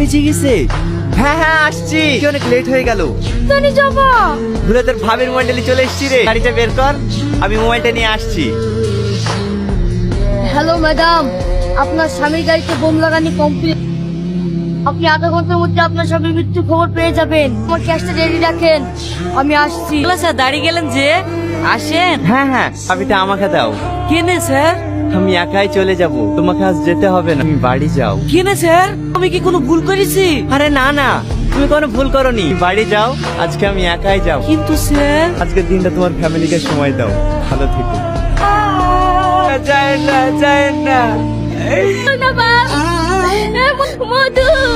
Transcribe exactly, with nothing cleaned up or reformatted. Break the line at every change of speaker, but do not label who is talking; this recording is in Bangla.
বেঁচে গেছে। হ্যাঁ হ্যাঁ আসছি, অনেক লেট হয়ে গেল।
জানি যাবা।
ভুলে তোর ভাবির মোবাইলটা চলে এসছি রে, গাড়িটা বের কর, আমি মোবাইলটা নিয়ে আসছি।
হ্যালো ম্যাডাম, আপনার স্বামীর গাড়িতে বোম লাগানি কমপ্লিট। আপনি আধা ঘন্টার মধ্যে আপনার স্বামীর মৃত্যু খবর পেয়ে যাবেন। আমার ক্যাশটা রেডি রাখেন, আমি আসছি।
স্যার দাঁড়িয়ে গেলেন যে, আসেন।
হ্যাঁ হ্যাঁ চাবিটা আমাকে দাও।
কেনে স্যার?
আমি একাই চলে যাব, তোমাকে আজ যেতে হবে না, তুমি বাড়ি যাও।
কেনে স্যার? আমি কি কোনো ভুল করেছি?
আরে না না, তুমি কোনো ভুল করনি, বাড়ি যাও, আজকে আমি একাই যাব।
কিন্তু স্যার,
আজকের দিনটা তোমার ফ্যামিলিকে সময় দাও, ভালো থেকো। যায় না যায় না।
মধু